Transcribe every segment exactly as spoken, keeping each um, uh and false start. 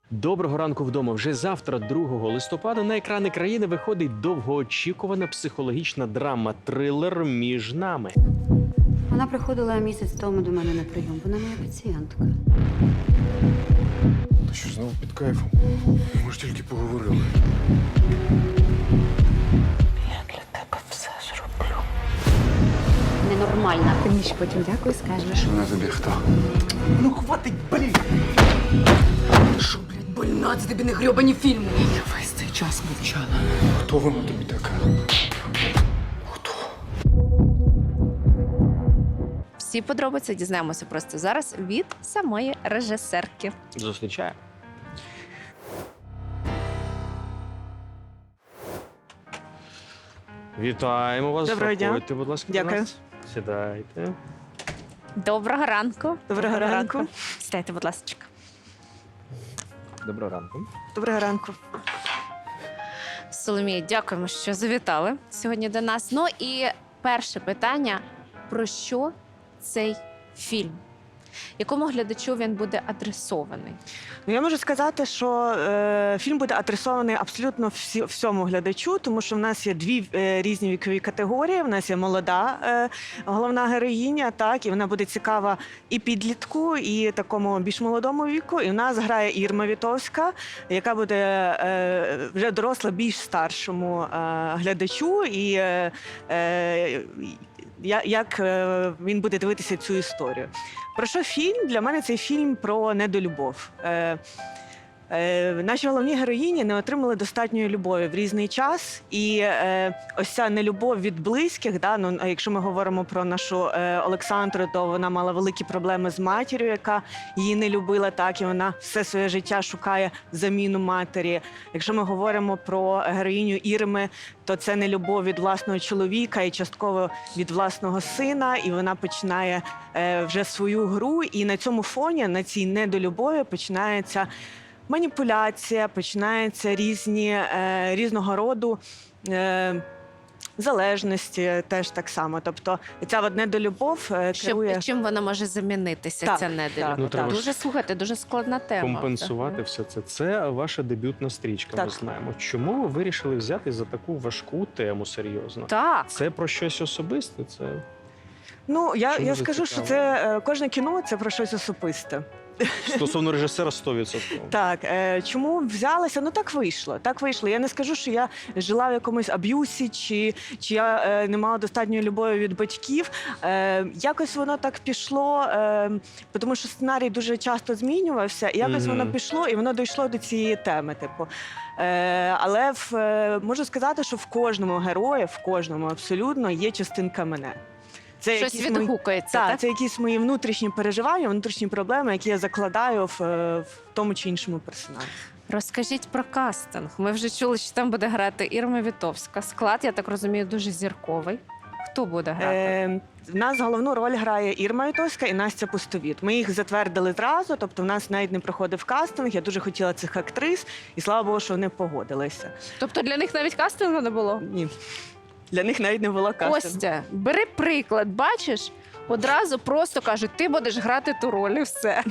Доброго ранку вдома. Вже завтра, другого листопада, на екрани країни виходить довгоочікувана психологічна драма-трилер «Між нами». Вона приходила місяць тому до мене на прийом. Вона моя пацієнтка. Ти що, знову під кайфом? Ми ж тільки поговорили. Я для тебе все зроблю. Ненормальна. Ти мені ще потім дякую скажеш. Вона тобі хто? Ну хватить, блін! Що, блядь, больна? Це тобі не грьобані фільми. Я весь цей час мовчала. Хто вона тобі така? Хто? Всі подробиці дізнаємося просто зараз від самої режисерки. Зустрічає. Вітаємо вас. Доброго дня. Заходьте, будь ласка, до Дякую. нас. Сідайте. Доброго ранку. Доброго ранку. Сідайте, будь ласка. Доброго ранку. Доброго ранку. Соломія, дякуємо, що завітали сьогодні до нас. Ну і перше питання: про що цей фільм? Якому глядачу він буде адресований? Ну, я можу сказати, що е, фільм буде адресований абсолютно всі, всьому глядачу, тому що в нас є дві е, різні вікові категорії. В нас є молода е, головна героїня, так, і вона буде цікава і підлітку, і такому більш молодому віку. І в нас грає Ірма Вітовська, яка буде е, вже доросла більш старшому е, глядачу. І е, е, я- як е, він буде дивитися цю історію. Про що фільм? Для мене цей фільм про недолюбов. Е, е, наші головні героїні не отримали достатньої любові в різний час. І е, ось ця нелюбов від близьких, да, ну, а якщо ми говоримо про нашу е, Олександру, то вона мала великі проблеми з матір'ю, яка її не любила, так, і вона все своє життя шукає заміну матері. Якщо ми говоримо про героїню Ірми, то це не любов від власного чоловіка і частково від власного сина, і вона починає е, вже свою гру. І на цьому фоні, на цій недолюбові, починається маніпуляція, починаються різні е, різного роду е, залежності, теж так само. Тобто ця от недолюбов е, Щоб, керує. чим вона може замінитися, Так, ця так, недолюбов? Ну, треба Дуже, ж слухайте, дуже складна тема. Компенсувати все це. Це ваша дебютна стрічка, Так. ми знаємо. Чому ви вирішили взяти за таку важку тему серйозно? Так. Це про щось особисте? Це Ну, я, Чому я ви скажу, що цікаво? це е, кожне кіно це про щось особисте. стосовно режисера сто відсотків. Так, е, чому взялася? Ну так вийшло. Так вийшло. Я не скажу, що я жила в якомусь аб'юсі, чи, чи я е, не мала достатньої любові від батьків. Е, якось воно так пішло, е, тому що сценарій дуже часто змінювався, і якось Мгм. воно пішло, і воно дійшло до цієї теми. Типу. Е, але в, е, можу сказати, що в кожному герої, в кожному абсолютно є частинка мене. Це Щось якісь мої- відгукується, так, так? це якісь мої внутрішні переживання, внутрішні проблеми, які я закладаю в, е, в тому чи іншому персонажі. Розкажіть про кастинг. Ми вже чули, що там буде грати Ірма Вітовська. Склад, я так розумію, дуже зірковий. Хто буде грати? Е, в нас головну роль грає Ірма Вітовська і Настя Пустовіт. Ми їх затвердили зразу, тобто в нас навіть не проходив кастинг. Я дуже хотіла цих актрис, і слава Богу, що вони погодилися. Тобто для них навіть кастингу не було? Ні, для них навіть не було кастингу. Костя, бери приклад, бачиш? Одразу просто кажуть, ти будеш грати ту роль і все.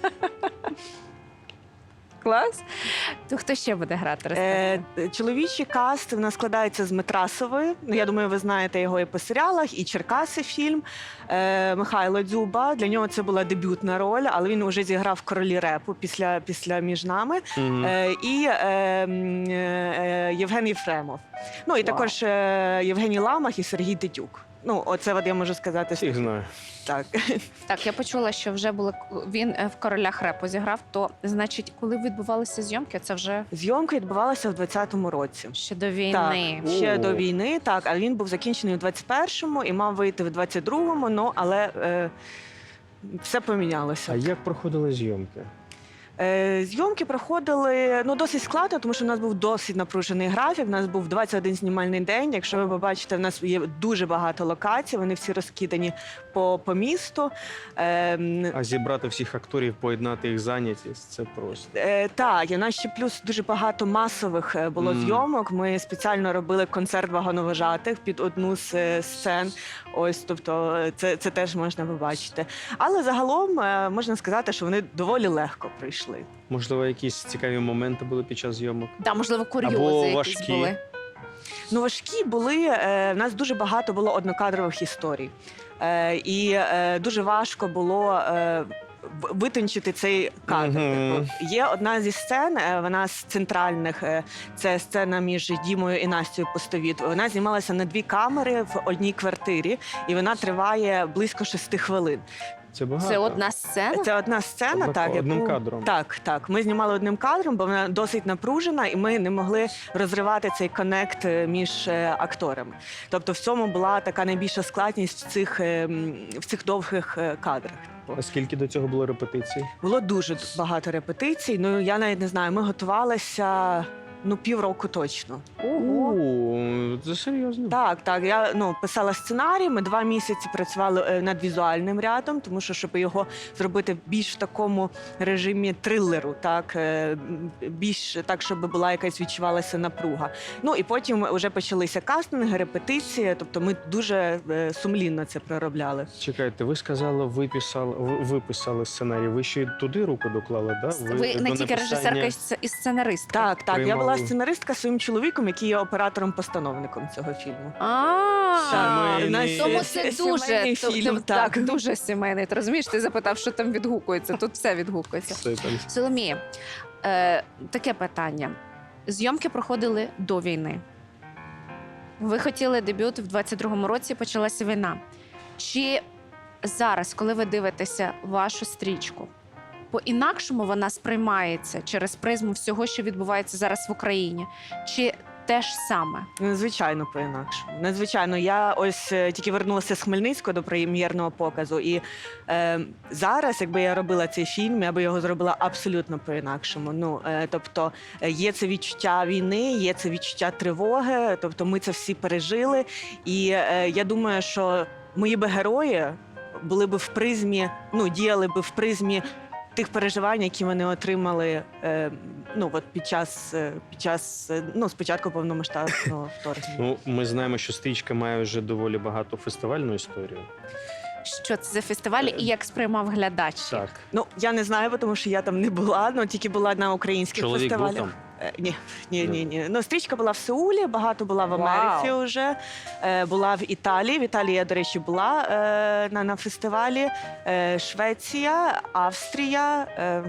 Клас. То хто ще буде грати? Е, Розкажи. чоловічий каст в нас складається з Метрасової. Ну, я думаю, ви знаєте його і по серіалах, і Черкаси фільм. Е, Михайло Дзюба. Для нього це була дебютна роль, але він вже зіграв королі репу після, після «Між нами». Мгм. Е, і е, м, е, Євген Єфремов. Ну і Вау. також е, Євгеній Ламах і Сергій Тетюк. Ну, оце от я можу сказати. Всіх знаю. Так. Так, я почула, що вже були він е, в королях репу зіграв. То значить, коли відбувалися зйомки, це вже Зйомки відбувалися в двадцятому році. ще до війни. Так, ще О. до війни, так, але він був закінчений у двадцять першому і мав вийти в двадцять другому, ну, але е, все помінялося. А як проходили зйомки? Е, зйомки проходили ну, досить складно, тому що в нас був досить напружений графік. У нас був двадцять один знімальний день. Якщо ви побачите, в нас є дуже багато локацій, вони всі розкидані по, по місту. Е, м, А зібрати всіх акторів, поєднати їх зайнятість це просто. Е, так, і у нас ще плюс дуже багато масових е, було Мгм. зйомок. Ми спеціально робили концерт вагоновожатих під одну з е, сцен. Ось, тобто, е, це, це теж можна побачити. Але загалом е, можна сказати, що вони доволі легко прийшли. пішли. Можливо, якісь цікаві моменти були під час зйомок? Да, можливо, курйози Або якісь важкі. були. Ну, важкі були. Е, в нас дуже багато було однокадрових історій. Е, і е, дуже важко було е, в- витончити цей кадр. Мгм. Типу, є одна зі сцен, е, вона з центральних, е, це сцена між Дімою і Настю Постовіт. Вона знімалася на дві камери в одній квартирі, і вона триває близько шести хвилин. Це багато. Це одна сцена? Це одна сцена, Однако- так, одним яку- кадром. Так, так. Ми знімали одним кадром, бо вона досить напружена, і ми не могли розривати цей коннект е, між е, акторами. Тобто, в цьому була така найбільша складність в цих, е, м, в цих довгих е, кадрах. А скільки до цього було репетицій? Було дуже багато репетицій. Ну я навіть не знаю. Ми готувалися ну півроку точно. Ого. О, це серйозно. Так, так. Я ну писала сценарій. Ми два місяці працювали е, над візуальним рядом, тому що щоб його зробити більш в такому режимі трилеру, так е, м, більш так, щоб була якась відчувалася напруга. Ну і потім вже почалися кастинги, репетиції. Тобто, ми дуже е, сумлінно це проробляли. Чекайте, ви сказали, ви писали, ви, ви писали сценарій. Ви ще й туди руку доклали, да? Ви до не тільки написання- режисерка і сц- і сценаристка. Так, так. Я Приймали. була сценаристка своїм чоловіком, який є оператором-постановником цього фільму. А, Сімейний. у нас тому є це сімейний дуже фільм, то- так, так. дуже сімейний. Ти розумієш, ти запитав, що там відгукується. Тут все відгукується. Це там. Соломія, е, таке питання. Зйомки проходили до війни. Ви хотіли дебют в двадцять другому році, почалася війна. Чи зараз, коли ви дивитеся вашу стрічку, по-інакшому вона сприймається через призму всього, що відбувається зараз в Україні? Чи те ж саме? Звичайно, по-інакшому. Надзвичайно. Я ось е, тільки вернулася з Хмельницького до прем'єрного показу. І е, зараз, якби я робила цей фільм, я би його зробила абсолютно по-інакшому. Ну, е, тобто е, є це відчуття війни, є це відчуття тривоги. Тобто ми це всі пережили. І е, я думаю, що мої би герої були б в призмі, ну, діяли б в призмі тих переживань, які вони отримали е, ну, от під час, е, під час е, ну, спочатку повномасштабного вторгнення. Ну, ми знаємо, що стрічка має вже доволі багато фестивальну історію. Що це за фестивалі і як сприймав глядач? їх? Так. Ну, я не знаю, бо тому що я там не була, ну тільки була на українських Чоловік був фестивалях. там? Е, Ні, ні, ні, ні. Ну, стрічка була в Сеулі, багато була в Америці Вау. вже. Е, була в Італії. В Італії я, до речі, була е, на, на фестивалі. Е, Швеція, Австрія. Е,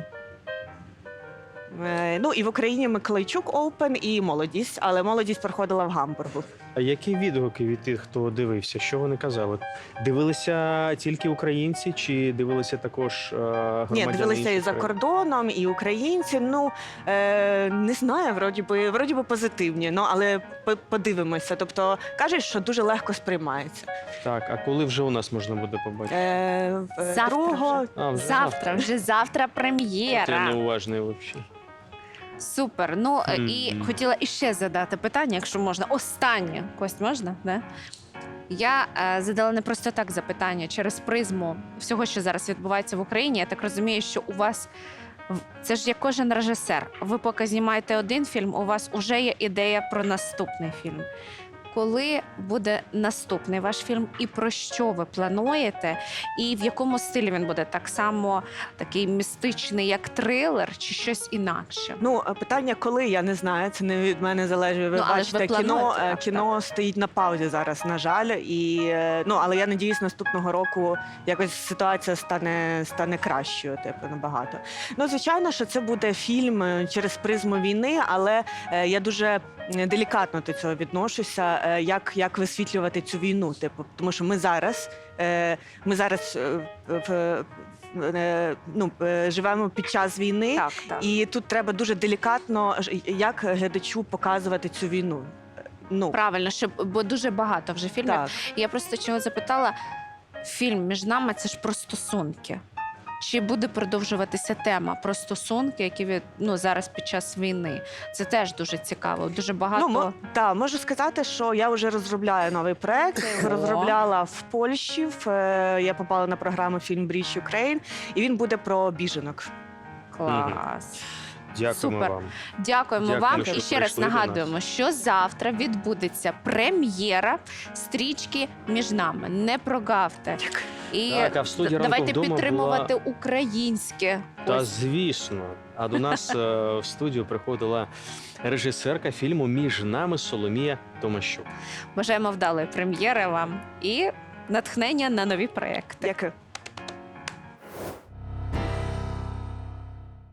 е, ну і в Україні Миколайчук Оупен і молодість, але молодість проходила в Гамбургу. А які відгуки від тих, хто дивився? Що вони казали? Дивилися тільки українці, чи дивилися також е, громадяни Ні, дивилися і інших за країн? кордоном, і українці. Ну е, не знаю, вроді би, вроді би позитивні. Ну але по- подивимося. Тобто кажуть, що дуже легко сприймається. Так, а коли вже у нас можна буде побачити? Е, в- Завтра другого вже. А, вже Завтра, вже завтра От Я прем'єра. неуважний взагалі. Супер. Ну е, і Мгм. хотіла іще задати питання, якщо можна. Останнє. Кость, можна? Да? Я е, задала не просто так запитання через призму всього, що зараз відбувається в Україні. Я так розумію, що у вас в- це ж як кожен режисер. Ви поки знімаєте один фільм, у вас вже є ідея про наступний фільм. Коли буде наступний ваш фільм, і про що ви плануєте, і в якому стилі він буде? Так само такий містичний, як трилер, чи щось інакше? ну е, питання, коли я не знаю. Це не від мене залежить. Ви Ну, але ж ви бачите, кіно плануєте, е, так, кіно стоїть на паузі зараз. На жаль, і е, ну але я надіюсь, наступного року якось ситуація стане стане кращою. Типу набагато. Ну звичайно, що це буде фільм е, через призму війни, але е, я дуже е, делікатно до цього відношуся. е, Як, як висвітлювати цю війну? Типу, тому що ми зараз, е, ми зараз е, в, в, е, ну, е, живемо під час війни. Так, так. І тут треба дуже делікатно, ж- як глядачу показувати цю війну. Ну, Правильно, щоб бо дуже багато вже фільмів. так. Я просто чого запитала: фільм між нами це ж про стосунки. Чи буде продовжуватися тема про стосунки, які від ну зараз під час війни? Це теж дуже цікаво. Дуже багато. Ну, мо, та, можу сказати, що я вже розробляю новий проект. Я його О. розробляла в Польщі. В, е, я попала на програму «Фільм Брідж Україн», і він буде про біженок. Клас. Дякуємо Супер. вам. Дякуємо Дякую, вам. що І ще раз прийшли до нагадуємо, що завтра відбудеться прем'єра стрічки між нами. Не прогавте. І Так, а в студії «Ранку давайте вдома» підтримувати українське. Та Ось. звісно. А до нас е, в студію приходила режисерка фільму «Між нами» Соломія Томащук. Бажаємо вдалої прем'єри вам і натхнення на нові проекти. Дякую.